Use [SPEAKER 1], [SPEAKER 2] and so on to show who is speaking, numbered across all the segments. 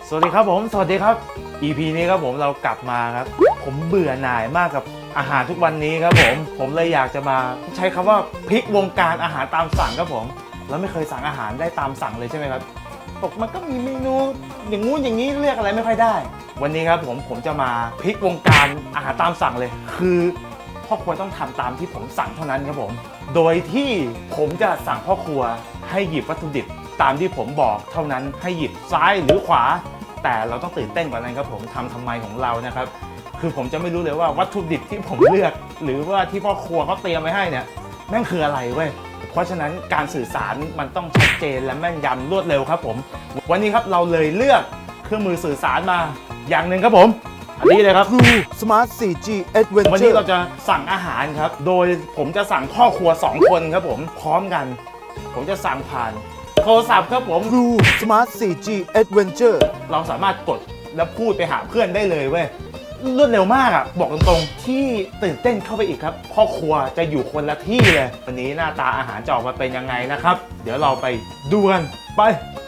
[SPEAKER 1] สวัสดีครับผมสวัสดีครับ EP นี้ครับผมเรากลับมาครับผมเบื่อหน่ายมากกับอาหารทุกวันนี้ครับผมเลยอยากจะมาใช้คำว่าพลิกวงการอาหารตามสั่งครับผมแล้วไม่เคยสั่งอาหารได้ตามสั่งเลยใช่ไหมครับบอกมันก็มีเมนูอย่างงู้นอย่างนี้เลือกอะไรไม่ค่อยได้วันนี้ครับผมจะมาพลิกวงการอาหารตามสั่งเลยคือพ่อครัวต้องทำตามที่ผมสั่งเท่านั้นครับผมโดยที่ผมจะสั่งพ่อครัวให้หยิบวัตถุดิบตามที่ผมบอกเท่านั้นให้หยิบซ้ายหรือขวาแต่เราต้องตื่นเต้นกว่านั้นครับผมทำไมของเรานะครับคือผมจะไม่รู้เลยว่าวัตถุดิบที่ผมเลือกหรือว่าที่พ่อครัวเขาเตรียมไว้ให้เนี่ยแม่งคืออะไรเว้ยเพราะฉะนั้นการสื่อสารมันต้องชัดเจนและแม่นยำรวดเร็วครับผมวันนี้ครับเราเลยเลือกเครื่องมือสื่อสารมาอย่างหนึ่งครับผมอันนี้เลยครับ
[SPEAKER 2] True Smart 4G Adventure
[SPEAKER 1] วันนี้เราจะสั่งอาหารครับโดยผมจะสั่งพ่อครัว2คนครับผมพร้อมกันผมจะสั่งผ่านโทรศัพท์ครับผม
[SPEAKER 2] True Smart 4G Adventure
[SPEAKER 1] เราสามารถกดแล้วพูดไปหาเพื่อนได้เลยเว้ยรวดเร็วมากอ่ะบอกตรงๆที่ตื่นเต้นเข้าไปอีกครับพ่อครัวจะอยู่คนละที่เลยวันนี้หน้าตาอาหารจะออกมาเป็นยังไงนะครับเดี๋ยวเราไปดูกันไป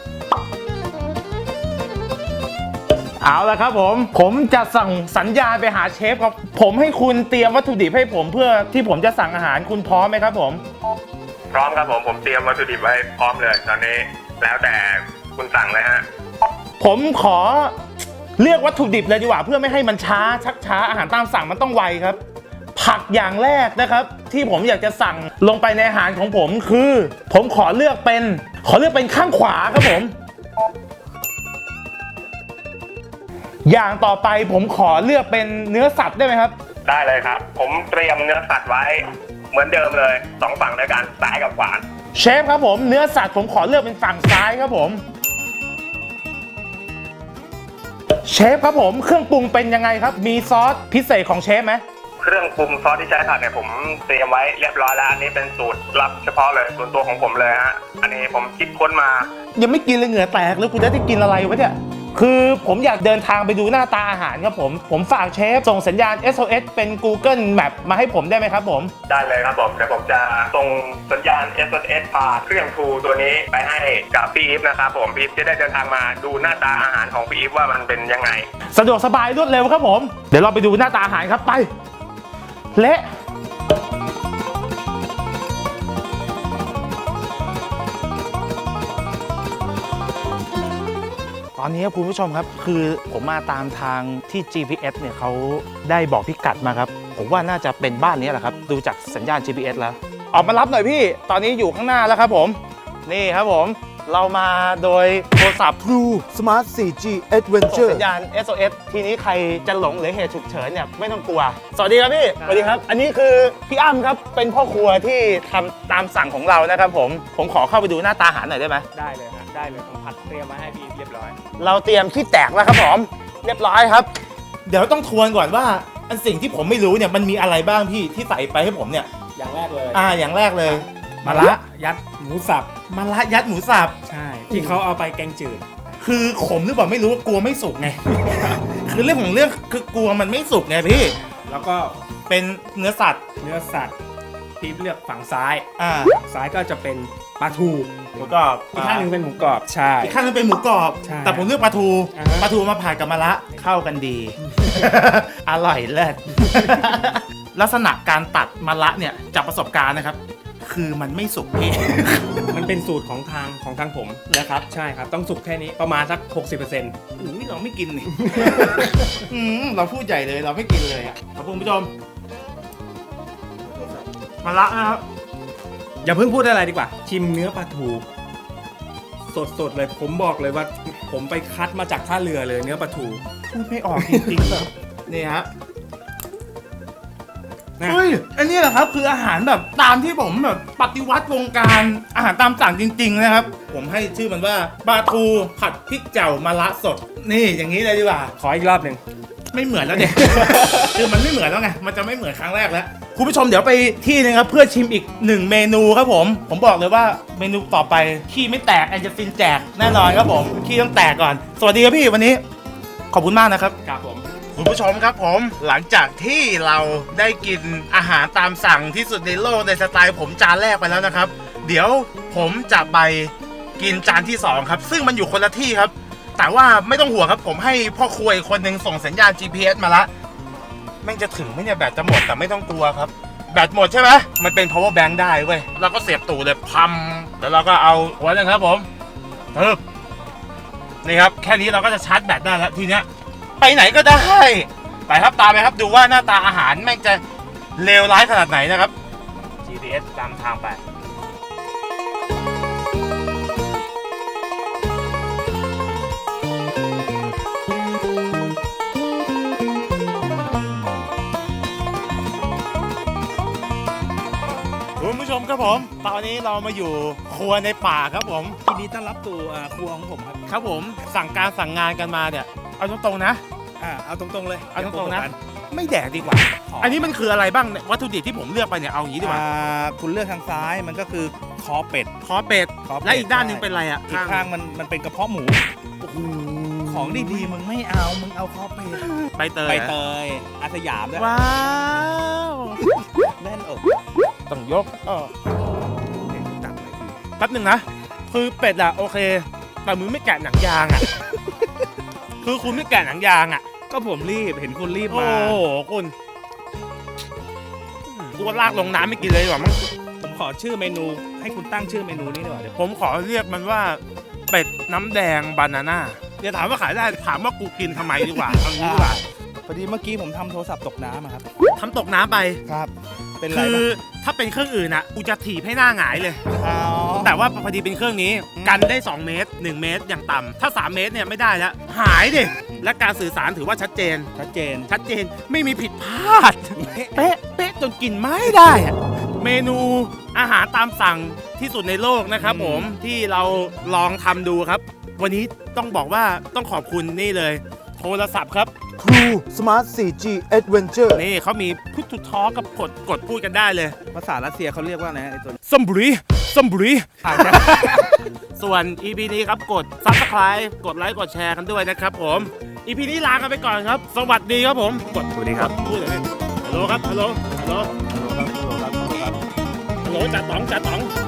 [SPEAKER 1] เอาละครับผมจะสั่งสัญญาณไปหาเชฟครับผมให้คุณเตรียมวัตถุดิบให้ผมเพื่อที่ผมจะสั่งอาหารคุณพร้อมไหมครับผม
[SPEAKER 3] พร้อมครับผมเตรียมวัตถุดิบไว้พร้อมเลยตอนนี้แล้วแต่คุณสั่งเลยฮะ
[SPEAKER 1] ผมขอเลือกวัตถุดิบเลยดีกว่าเพื่อไม่ให้มันช้าชักช้าอาหารตามสั่งมันต้องไวครับผักอย่างแรกนะครับที่ผมอยากจะสั่งลงไปในอาหารของผมคือผมขอเลือกเป็นข้างขวาครับผมอย่างต่อไปผมขอเลือกเป็นเนื้อสัตว์ได้ไหมครับ
[SPEAKER 3] ได้เลยครับผมเตรียมเนื้อสัตว์ไว้เหมือนเดิมเลย2ฝั่งด้วยกันซ้ายกับขวา
[SPEAKER 1] เชฟครับผมเนื้อสัตว์ผมขอเลือกเป็นฝั่งซ้ายครับผมเชฟครับผมเครื่องปรุงเป็นยังไงครับมีซอสพิเศษของเชฟไหม
[SPEAKER 3] เครื่องปรุงซอสที่ใช้ผัดเนี่ยผมเตรียมไว้เรียบร้อยแล้วอันนี้เป็นสูตรลับเฉพาะเลยส่วนตัวของผมเลยฮะอันนี้ผมคิดค้นมา
[SPEAKER 1] ยังไม่กินเลยเหงื่อแตกแล้วคุณจะได้กินอะไรวะเนี่ยคือผมอยากเดินทางไปดูหน้าตาอาหารครับผมฝากเชฟส่งสัญญาณ SOS เป็น Google Map มาให้ผมได้ไหมครับผม
[SPEAKER 3] ได้เลยครับผมเดี๋ยวผมจะส่งสัญญาณ SOS ผ่านเครื่องทูตัวนี้ไปให้กับพี่อีฟนะครับผมพี่อีฟจะได้เดินทางมาดูหน้าตาอาหารของพี่อีฟว่ามันเป็นยังไง
[SPEAKER 1] สะดวกสบายรวดเร็วครับผมเดี๋ยวเราไปดูหน้าตาอาหารครับไปเละตอนนี้คุณผู้ชมครับคือผมมาตามทางที่ GPS เนี่ยเขาได้บอกพิกัดมาครับผมว่าน่าจะเป็นบ้านนี้แหละครับดูจากสัญญาณ GPS แล้วออกมารับหน่อยพี่ตอนนี้อยู่ข้างหน้าแล้วครับผมนี่ครับผมเรามาโดยโทรศัพท์
[SPEAKER 2] True Smart 4G
[SPEAKER 1] ส่
[SPEAKER 2] Adventure
[SPEAKER 1] งสัญญาณ SOS ทีนี้ใครจะหลงหรือเหตุฉุกเฉินเนี่ยไม่ต้องกลัวสวัสดีครับพี่สวัสดีครับอันนี้คือพี่อ้ำครับเป็นพ่อครัวที่ทำตามสั่งของเรานะครับผมขอเข้าไปดูหน้าตาอาหารหน่อยได้ไหม
[SPEAKER 4] ได้เลยครับได้เลยผมผัดเตรียมมาให้พี่เรียบร้อย
[SPEAKER 1] เราเตรียมขี้แตกแล้วครับผมเรียบร้อยครับเดี๋ยวต้องทวนก่อนว่าอันสิ่งที่ผมไม่รู้เนี่ยมันมีอะไรบ้างพี่ที่ใส่ไปให้ผมเนี่ย
[SPEAKER 4] อย่างแรกเลย
[SPEAKER 1] อย่างแรกเลยมะระ
[SPEAKER 4] ยัดหมูสับ
[SPEAKER 1] มะระยัดหมูสับ
[SPEAKER 4] ใช่ที่เขาเอาไปแกงจืด
[SPEAKER 1] คือขมหรือเปล่าไม่รู้กลัวไม่สุกไง คือเรื่องของเรื่องคือกลัวมันไม่สุกไงพี่
[SPEAKER 4] แล้วก็
[SPEAKER 1] เป็นเนื้อสัตว์
[SPEAKER 4] พี่เลือกฝั่งซ้ายฝั่งซ้ายก็จะเป็นปลาทู
[SPEAKER 1] หมูกรอบ
[SPEAKER 4] อีกข้างนึงเป็นหมูกรอบใช่
[SPEAKER 1] อีกข้างนึงเป็นหมูกรอบแต่ผมเลือกปลาทูมาผ่านกับมะระเข้ากันดี อร่อยเลิศ ลักษณะการตัดมะระเนี่ยจากประสบการณ์นะครับคือมันไม่สุกพี่
[SPEAKER 4] มันเป็นสูตรของทางผม
[SPEAKER 1] นะครับ
[SPEAKER 4] ใช่ครับต้องสุกแค่นี้ประมาณสัก 60%
[SPEAKER 1] อุ้ยเราไม่กินนี่ เราพูดใหญ่เลยเราไม่กินเลยอ่ะขอบคุณผู้ชมมะระนะครับ
[SPEAKER 4] อย่าเพิ่งพูดอะไรดีกว่าชิมเนื้อปลาทูสดเลยผมบอกเลยว่าผมไปคัดมาจากท่าเรือเลยเนื้อปลาทู
[SPEAKER 1] พูดไม่ออกจริงๆนี่ฮะเฮ้ยอันนี้แหละครับคืออาหารแบบตามที่ผมแบบปฏิวัติวงการอาหารตามสั่งจริงๆนะครับผมให้ชื่อมันว่าปลาทูผัดพริกเจ่ามะระสดนี่อย่างนี้เลยดีกว่า
[SPEAKER 4] ขออีกรอบหนึ่ง
[SPEAKER 1] ไม่เหมือนแล้วเนี่ย คือมันไม่เหมือนแล้วไงมันจะไม่เหมือนครั้งแรกแล้วคุณผู้ชมเดี๋ยวไปที่นึงครับเพื่อชิมอีก1เมนูครับผมบอกเลยว่าเมนูต่อไปขี้ไม่แตกแอนจะฟินแจกแน่นอนครับผมขี้ต้องแตกก่อนสวัสดีครับพี่วันนี้ขอบคุณมากนะครับ
[SPEAKER 4] ครับผม
[SPEAKER 1] คุณผู้ชมครับผมหลังจากที่เราได้กินอาหารตามสั่งที่สุดในโลกในสไตล์ผมจานแรกไปแล้วนะครับเดี๋ยวผมจะไปกินจานที่2ครับซึ่งมันอยู่คนละที่ครับแต่ว่าไม่ต้องห่วงครับผมให้พ่อครัวอีกคนหนึ่งส่งสัญญาณ GPS มาละแม่งจะถึงไหมเนี่ยแบตจะหมดแต่ไม่ต้องกลัวครับแบตหมดใช่ไหมมันเป็น power bank ได้เว้ยเราก็เสียบตู่เลยพัมแล้วเราก็เอาหัวนึงครับผมปึ๊บนี่ครับแค่นี้เราก็จะชาร์จแบตได้แล้วทีเนี้ยไปไหนก็ได้ไปครับตามไปครับดูว่าหน้าตาอาหารแม่งจะเลวร้ายขนาดไหนนะครับ GPS ตามทางไปคุณผู้ชมครับผมตอนนี้เรามาอยู่ครัวในป่าครับผม
[SPEAKER 4] ยินดีต้อนรับสู่ครัวของผมครับ
[SPEAKER 1] ครับผมสั่งการสั่งงานกันมาเนี่ยเอาตรงๆนะ
[SPEAKER 4] เอาตรงๆเลย
[SPEAKER 1] เอาตรงๆนะไม่แดกดีกว่า อันนี้มันคืออะไรบ้างเนี่ยวัตถุดิบที่ผมเลือกไปเนี่ยเอาอย่างนี้ดีกว่า
[SPEAKER 5] คุณเลือกทางซ้ายมันก็คือคอเป็ด
[SPEAKER 1] คอเป็ด
[SPEAKER 5] คอเป็ด
[SPEAKER 1] และอีกด้านหนึงเป็นอะไรอ่ะ
[SPEAKER 5] อีกข้างมันเป็นกระเพาะหมู
[SPEAKER 1] โอ้โห
[SPEAKER 5] ของดีๆมึงไม่เอามึงเอาคอเป็ด
[SPEAKER 1] ใบเตย
[SPEAKER 5] ใบเตยอาสยามด้วย
[SPEAKER 1] ว้าว
[SPEAKER 5] แน่นอก
[SPEAKER 1] ต้องยก
[SPEAKER 5] จัดเลยที
[SPEAKER 1] แป๊บหนึ่งนะคือเป็ดอะโอเคแต่มึงไม่แกะหนังยางอะคือคุณไม่แกะหนังยางอะ
[SPEAKER 5] ก็ผมรีบเห็นคุณรีบ
[SPEAKER 1] โอ้
[SPEAKER 5] มา
[SPEAKER 1] โหคุณกูว่าลากลงน้ำไม่กินเลยดีกว่ามั้ง
[SPEAKER 5] ผมขอชื่อเมนูให้คุณตั้งชื่อเมนูนี้ดีกว่าเดี๋ยว
[SPEAKER 1] ผมขอเรียกมันว่าเป็ดน้ำแดงบานาน่าอย่าถามว่าขายได้ถามว่ากูกินทำไมดีกว่าเอางี้ดีกว่า
[SPEAKER 5] พอดีเมื่อกี้ผมทำโทรศัพท์ตกน้ำอะครับ
[SPEAKER 1] ทำตกน้ำไป
[SPEAKER 5] ครับ เป็นไร
[SPEAKER 1] คือ
[SPEAKER 5] ปะ
[SPEAKER 1] ถ้าเป็นเครื่องอื่นอะกูจะถีบให้หน้าหงายเลย
[SPEAKER 5] อ๋อ
[SPEAKER 1] แต่ว่าพอดีเป็นเครื่องนี้กันได้ 2 เมตร 1 เมตรอย่างต่ำถ้า 3 เมตรเนี่ยไม่ได้แล้วหายดิและการสื่อสารถือว่าชัดเจน
[SPEAKER 5] ชัดเจน
[SPEAKER 1] ชัดเจนไม่มีผิดพลาด เป๊ะเป๊ะจนกินไม่ได้อะเมนูอาหารตามสั่งที่สุดในโลกนะครับผมที่เราลองทำดูครับ วันนี้ต้องบอกว่าต้องขอบคุณนี่เลย โทรศัพท์ครับ
[SPEAKER 2] True Smart 4G Adventure
[SPEAKER 1] นี่เขามีพุทธทอกับกดพูดกันได้เลย
[SPEAKER 5] ภาษารัสเซียเขาเรียกว่าอะไรนะไอ้ตัวนี้
[SPEAKER 1] ซัมบุรีซัมบุรี
[SPEAKER 5] อ่านนะ
[SPEAKER 1] ส่วน EP นี้ครับกด Subscribe กดไลค์กดแชร์กันด้วยนะครับผม EP นี้ลากันไปก่อนครับ สวัสดีครับผมกดสวัสดีครับพูดเลยฮัลโหลครับฮัลโหลฮัลโหลฮัลโหลจ่าต๋องจ่าต๋อง